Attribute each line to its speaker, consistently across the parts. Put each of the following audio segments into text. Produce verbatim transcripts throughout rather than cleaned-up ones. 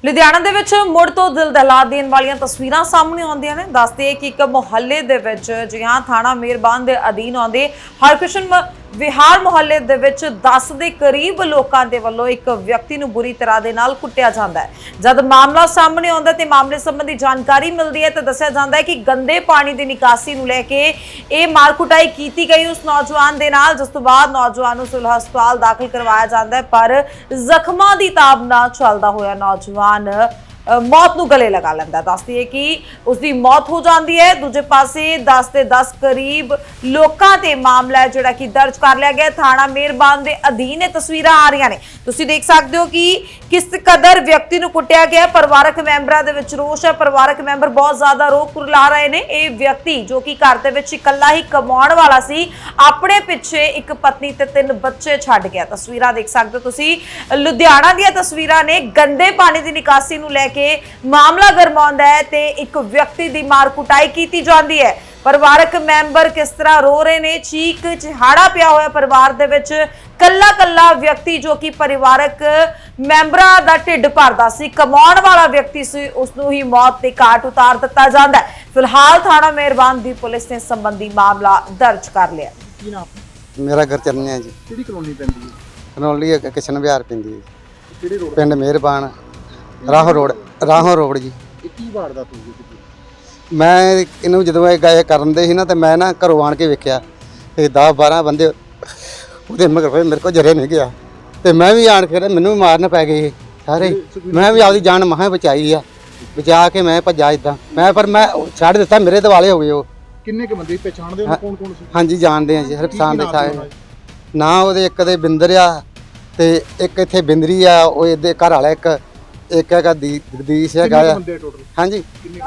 Speaker 1: ਲੁਧਿਆਣਾ ਦੇ ਵਿੱਚ ਮੁੜ ਤੋਂ ਦਿਲ ਦਹਿਲਾ ਦੇਣ ਵਾਲੀਆਂ ਤਸਵੀਰਾਂ ਸਾਹਮਣੇ ਆਉਂਦੀਆਂ ਨੇ। ਦੱਸਦੇ ਕਿ ਇੱਕ ਮੁਹੱਲੇ ਦੇ ਵਿੱਚ ਜਿਹਾਂ ਥਾਣਾ ਮੇਰਬਾਨ ਦੇ ਅਧੀਨ ਆਉਂਦੇ ਹਰਕ੍ਰਿਸ਼ਨ ਵਿਹਾਰ ਮੁਹੱਲੇ ਦੇ ਵਿੱਚ ਦਸ ਦੇ ਕਰੀਬ ਲੋਕਾਂ ਦੇ ਵੱਲੋਂ ਇੱਕ ਵਿਅਕਤੀ ਨੂੰ ਬੁਰੀ ਤਰ੍ਹਾਂ ਦੇ ਨਾਲ ਕੁੱਟਿਆ ਜਾਂਦਾ ਹੈ। ਜਦ ਮਾਮਲਾ ਸਾਹਮਣੇ ਆਉਂਦਾ ਤੇ ਮਾਮਲੇ ਸੰਬੰਧੀ ਜਾਣਕਾਰੀ ਮਿਲਦੀ ਹੈ ਤਾਂ ਦੱਸਿਆ ਜਾਂਦਾ ਹੈ ਕਿ ਗੰਦੇ ਪਾਣੀ ਦੀ ਨਿਕਾਸੀ ਨੂੰ ਲੈ ਕੇ ਇਹ ਮਾਰ ਕੁਟਾਈ ਕੀਤੀ ਗਈ ਉਸ ਨੌਜਵਾਨ ਦੇ ਨਾਲ, ਜਿਸ ਤੋਂ ਬਾਅਦ ਨੌਜਵਾਨ ਨੂੰ ਸਿਵਲ ਹਸਪਤਾਲ ਦਾਖਲ ਕਰਵਾਇਆ ਜਾਂਦਾ ਹੈ। ਪਰ ਜ਼ਖਮਾਂ ਦੀ ਤਾਬ ਨਾਲ ਚੱਲਦਾ ਹੋਇਆ ਨੌਜਵਾਨ मौत ਨੂੰ गले लगा ਲੈਂਦਾ। ਦੱਸਦੀ ਹੈ ਕਿ ਉਸਦੀ ਮੌਤ ਹੋ ਜਾਂਦੀ ਹੈ। ਦੂਜੇ ਪਾਸੇ ਦਸ ਤੇ ਦਸ ਕਰੀਬ ਲੋਕਾਂ ਤੇ ਮਾਮਲਾ ਜਿਹੜਾ ਕਿ ਦਰਜ ਕਰ ਲਿਆ ਗਿਆ ਥਾਣਾ ਮੇਰਬਾਨ ਦੇ ਅਧੀਨ। ਇਹ ਤਸਵੀਰਾਂ ਆ ਰਹੀਆਂ ਨੇ, ਤੁਸੀਂ ਦੇਖ ਸਕਦੇ ਹੋ ਕਿ ਕਿਸ ਕਦਰ ਵਿਅਕਤੀ ਨੂੰ ਕੁੱਟਿਆ ਗਿਆ। ਪਰਿਵਾਰਕ ਮੈਂਬਰਾਂ ਦੇ ਵਿੱਚ ਰੋਸ਼ ਹੈ। ਪਰਿਵਾਰਕ ਮੈਂਬਰ ਬਹੁਤ ਜ਼ਿਆਦਾ ਰੋਹ ਕੁਰਲਾ ਰਹੇ ਨੇ। ਇਹ ਵਿਅਕਤੀ ਜੋ ਕਿ ਘਰ ਦੇ ਵਿੱਚ ਇਕੱਲਾ ਹੀ ਕਮਾਉਣ ਵਾਲਾ ਸੀ, ਆਪਣੇ ਪਿੱਛੇ ਇੱਕ ਪਤਨੀ ਤੇ ਤਿੰਨ ਬੱਚੇ ਛੱਡ ਗਿਆ। ਤਸਵੀਰਾਂ ਦੇਖ ਸਕਦੇ ਹੋ ਤੁਸੀਂ, ਲੁਧਿਆਣਾ ਦੀਆਂ ਤਸਵੀਰਾਂ ਨੇ। ਗੰਦੇ ਪਾਣੀ ਦੀ ਨਿਕਾਸੀ ਨੂੰ ਲੈ ਕੇ ਮਾਮਲਾ ਗਰਮਾਉਂਦਾ ਹੈ ਤੇ ਇੱਕ ਵਿਅਕਤੀ ਦੀ ਮਾਰ ਕੁਟਾਈ ਕੀਤੀ ਜਾਂਦੀ ਹੈ। ਪਰਿਵਾਰਕ ਮੈਂਬਰ ਕਿਸ ਤਰ੍ਹਾਂ ਰੋ ਰਹੇ ਨੇ, ਚੀਕ ਚਿਹਾੜਾ ਪਿਆ ਹੋਇਆ ਪਰਿਵਾਰ ਦੇ ਵਿੱਚ। ਕੱਲਾ ਕੱਲਾ ਵਿਅਕਤੀ ਜੋ ਕਿ ਪਰਿਵਾਰਕ ਮੈਂਬਰਾਂ ਦਾ ਢਿੱਡ ਭਰਦਾ ਸੀ, ਕਮਾਉਣ ਵਾਲਾ ਵਿਅਕਤੀ ਸੀ, ਉਸ ਨੂੰ ਹੀ ਮੌਤ ਦੇ ਘਾਟ ਉਤਾਰ ਦਿੱਤਾ ਜਾਂਦਾ ਹੈ। ਫਿਲਹਾਲ ਥਾਣਾ ਮੇਰਬਾਨ ਦੀ ਪੁਲਿਸ ਨੇ ਸੰਬੰਧੀ ਮਾਮਲਾ ਦਰਜ ਕਰ ਲਿਆ।
Speaker 2: ਕੀ ਨਾਮ?
Speaker 3: ਮੇਰਾ ਘਰ ਚਰਨਿਆ ਜੀ।
Speaker 2: ਕਿਹੜੀ ਕਲੋਨੀ ਪੈਂਦੀ ਹੈ?
Speaker 3: ਕਨੌਲੀ ਕਿਸ਼ਨ ਵਿਹਾਰ ਪੈਂਦੀ ਹੈ।
Speaker 2: ਕਿਹੜੇ ਰੋਡ?
Speaker 3: ਪਿੰਡ ਮਿਹਰਬਾਨ, ਰਾਹੋਂ ਰੋਡ, ਰਾਹੋਂ ਰੋਡ ਜੀ।
Speaker 2: ਇਹ ਕੀ ਵਾਰਦਾਤ ਹੋਈ ਜੀ?
Speaker 3: ਮੈਂ ਇਹਨੂੰ ਜਦੋਂ ਇਹ ਗਾਇ ਕਰਨ ਦੇ ਸੀ ਨਾ, ਤੇ ਮੈਂ ਨਾ ਘਰੋਂ ਆਣ ਕੇ ਵੇਖਿਆ ਇਹ ਦਸ ਬਾਰਾਂ ਬੰਦੇ ਉਹਦੇ ਮਗਰ ਹੋਏ, ਮੇਰੇ ਕੋਲ ਜਰੇ ਨਹੀਂ ਗਿਆ। ਤੇ ਮੈਂ ਵੀ ਆਣ ਕੇ ਮੈਨੂੰ ਵੀ ਮਾਰਨ ਪੈ ਗਏ ਸਾਰੇ। ਮੈਂ ਵੀ ਆਪਦੀ ਜਾਨ ਮਹਾਂ ਬਚਾਈ ਆ, ਬਚਾ ਕੇ ਮੈਂ ਭੱਜਾ ਇਦਾਂ ਮੈਂ, ਪਰ ਮੈਂ ਛੱਡ ਦਿੱਤਾ, ਮੇਰੇ ਦਿਵਾਲੇ ਹੋ ਗਏ ਉਹ।
Speaker 2: ਕਿੰਨੇ ਕੁ ਬੰਦੇ ਪਛਾਣਦੇ ਹੋ? ਕੌਣ ਕੌਣ ਸੀ?
Speaker 3: ਹਾਂਜੀ ਜਾਣਦੇ ਆ ਜੀ, ਹਰਪਸਾਨ ਦੇ ਸਾਰੇ ਨਾ। ਉਹਦੇ ਇੱਕ ਦੇ ਬਿੰਦਰ ਆ ਤੇ ਇੱਕ ਇੱਥੇ ਬਿੰਦਰੀ ਆ, ਉਹ ਇਹਦੇ ਘਰ ਵਾਲਾ ਇੱਕ ਇੱਕ ਹੈਗਾ ਦੀ ਜਗਦੀਸ਼ ਹੈਗਾ ਆ। ਹਾਂਜੀ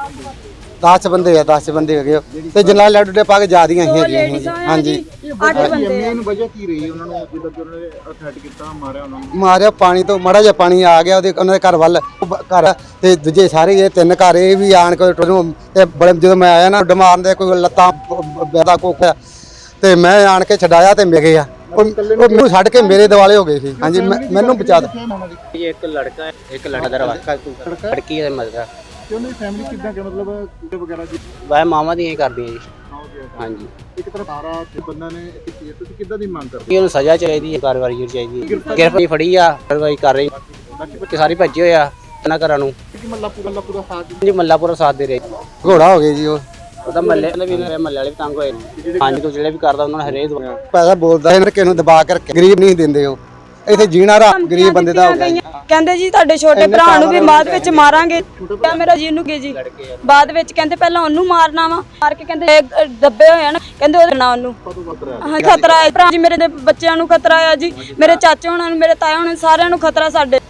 Speaker 3: ਦਸ ਬੰਦੇ ਆ, ਦਸ ਬੰਦੇ ਹੈਗੇ ਆ ਤੇ ਜਨਾਲ ਲੱਡੂ ਪਾ ਕੇ ਜਾ ਦੀਆਂ ਸੀ। ਹਾਂਜੀ
Speaker 2: ਮੇਨ ਵਜ੍ਹਾ ਕੀ ਰਹੀ ਉਹਨਾਂ ਨੂੰ ਜਦੋਂ ਉਹਨਾਂ ਨੇ ਅਟੈਕ ਕੀਤਾ, ਮਾਰਿਆ ਉਹਨਾਂ ਨੂੰ?
Speaker 3: ਮਾਰਿਆ ਪਾਣੀ ਤੋਂ, ਮਾੜਾ ਜਿਹਾ ਪਾਣੀ ਆ ਗਿਆ ਉਹਦੇ ਉਹਨਾਂ ਦੇ ਘਰ ਵੱਲ, ਘਰ ਤੇ ਦੂਜੇ ਸਾਰੇ ਇਹ ਤਿੰਨ ਘਰ ਇਹ ਵੀ ਆਣ ਕੇ ਤੇ ਬੜੇ, ਜਦੋਂ ਮੈਂ ਆਇਆ ਨਾ ਮਾਰਨ ਦੇ ਕੋਈ ਲੱਤਾਂ ਬੈਦਾ ਕੋਖਿਆ ਤੇ ਮੈਂ ਆਣ ਕੇ ਛਡਾਇਆ ਤੇ ਮਿਲ ਗਿਆ। ਉਹ ਮੈਨੂੰ ਛੱਡ ਕੇ ਮੇਰੇ ਦਿਵਾਲੇ ਹੋ ਗਏ ਸੀ। ਹਾਂਜੀ ਮੈਨੂੰ ਬਚਾ ਦਿੱਤਾ।
Speaker 4: ਇੱਕ ਲੜਕਾ ਹੈ, ਇੱਕ ਲੜਕਾ ਦਰਵਾਜ਼ਾ ਲੜਕੀ ਹੈ ਮਜ਼ਦਾ।
Speaker 2: ਤੇ ਉਹਨਾਂ ਦੀ ਫੈਮਿਲੀ ਕਿੱਦਾਂ ਕਿ ਮਤਲਬ ਕੁੜੇ ਵਗੈਰਾ ਜੀ?
Speaker 4: ਵਾਹ ਮਾਮਾ ਦੀਆਂ ਹੀ ਕਰਦੀਆਂ ਜੀ। ਹਾਂਜੀ
Speaker 2: ਇੱਕ ਤਰ੍ਹਾਂ ਸਾਰਾ ਤੇ ਬੰਦਾ ਨੇ ਕੀਤੀ ਹੈ, ਤੁਸੀਂ ਕਿੱਦਾਂ ਦੀ ਮੰਗ ਕਰਦੇ?
Speaker 4: ਉਹਨੂੰ ਸਜ਼ਾ ਚਾਹੀਦੀ ਹੈ, ਕਾਰਵਾਈ ਚਾਹੀਦੀ ਹੈ। ਗ੍ਰਿਫਤਾਰੀ ਫੜੀ ਆ, ਕਾਰਵਾਈ ਕਰ ਰਹੀ। ਬੱਚੇ ਸਾਰੇ ਭੱਜੇ ਹੋਏ ਆ ਇਹਨਾਂ ਘਰਾਂ ਨੂੰ।
Speaker 2: ਮੱਲਾ ਪੂਰਾ ਪੂਰਾ ਸਾਥ
Speaker 4: ਜੀ, ਮੱਲਾ ਪੂਰਾ ਸਾਥ ਦੇ ਰਹੇ।
Speaker 3: ਘੋੜਾ ਹੋ ਗਏ ਜੀ ਉਹ।
Speaker 4: ਉਹਦਾ ਮੱਲੇ ਵੀ ਮੱਲੇ ਵਾਲੇ ਵੀ ਤੰਗ ਹੋਏ ਨੇ। ਹਾਂਜੀ ਤੋਂ ਜਿਹੜੇ ਵੀ ਕਰਦਾ ਉਹਨਾਂ ਨੂੰ ਹਰੇਕ
Speaker 3: ਪੈਸਾ ਬੋਲਦਾ ਇਹਨਾਂ ਕਿਸੇ ਨੂੰ ਦਬਾ ਕੇ ਰੱਖਿਆ, ਗਰੀਬ ਨਹੀਂ ਦਿੰਦੇ ਉਹ। ਇੱਥੇ ਜੀਣਾ ਰਾ ਗਰੀਬ ਬੰਦੇ ਦਾ ਹੋ ਗਿਆ।
Speaker 5: ਕਹਿੰਦੇ ਜੀ ਤੁਹਾਡੇ ਛੋਟੇ ਭਰਾ ਨੂੰ ਵੀ ਬਾਅਦ ਵਿੱਚ ਮਾਰਾਂਗੇ। ਮੇਰਾ ਜੀ ਨੂੰ ਕੀ ਜੀ ਬਾਅਦ ਵਿੱਚ ਕਹਿੰਦੇ ਪਹਿਲਾਂ ਉਹਨੂੰ ਮਾਰਨਾ ਵਾ, ਮਾਰ ਕੇ ਕਹਿੰਦੇ ਦੱਬੇ ਹੋਏ ਹਨ, ਕਹਿੰਦੇ ਉਹਦੇ ਨਾਲ ਉਹਨੂੰ ਹਾਂ ਖਤਰਾ ਹੈ। ਭਰਾ ਜੀ ਮੇਰੇ ਦੇ ਬੱਚਿਆਂ ਨੂੰ ਖਤਰਾ ਆ ਜੀ, ਮੇਰੇ ਚਾਚੇ ਹੋਣਾ ਨੂੰ, ਮੇਰੇ ਤਾਏ ਹੋਣਾ, ਸਾਰਿਆਂ ਨੂੰ ਖਤਰਾ। ਸਾਡੇ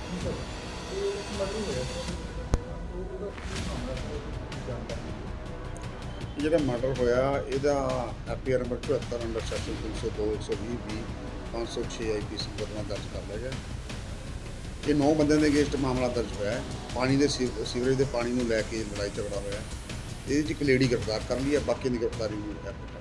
Speaker 6: ਜਿਹੜਾ ਮਰਡਰ ਹੋਇਆ ਇਹਦਾ ਐਫ ਆਈ ਆਰ ਨੰਬਰ ਚੁਹੱਤਰ ਅੰਡਰ ਸੈਕਸ਼ਨ ਤਿੰਨ ਸੌ ਦੋ, ਇੱਕ ਸੌ ਵੀਹ ਵੀਹ, ਪੰਜ ਸੌ ਛੇ ਆਈ ਪੀ ਸੀ ਮੁਕੱਦਮਾ ਦਰਜ ਕਰ ਲਿਆ ਗਿਆ। ਇਹ ਨੌ ਬੰਦਿਆਂ ਦੇ ਅਗੇਂਸਟ ਮਾਮਲਾ ਦਰਜ ਹੋਇਆ ਹੈ। ਪਾਣੀ ਦੇ ਸੀਵਰੇਜ ਦੇ ਪਾਣੀ ਨੂੰ ਲੈ ਕੇ ਲੜਾਈ ਝਗੜਾ ਹੋਇਆ। ਇਹਦੇ 'ਚ ਇੱਕ ਲੇਡੀ ਗ੍ਰਿਫਤਾਰ ਕਰ ਲਈ ਹੈ, ਬਾਕੀ ਦੀ ਗ੍ਰਿਫਤਾਰੀ ਨੂੰ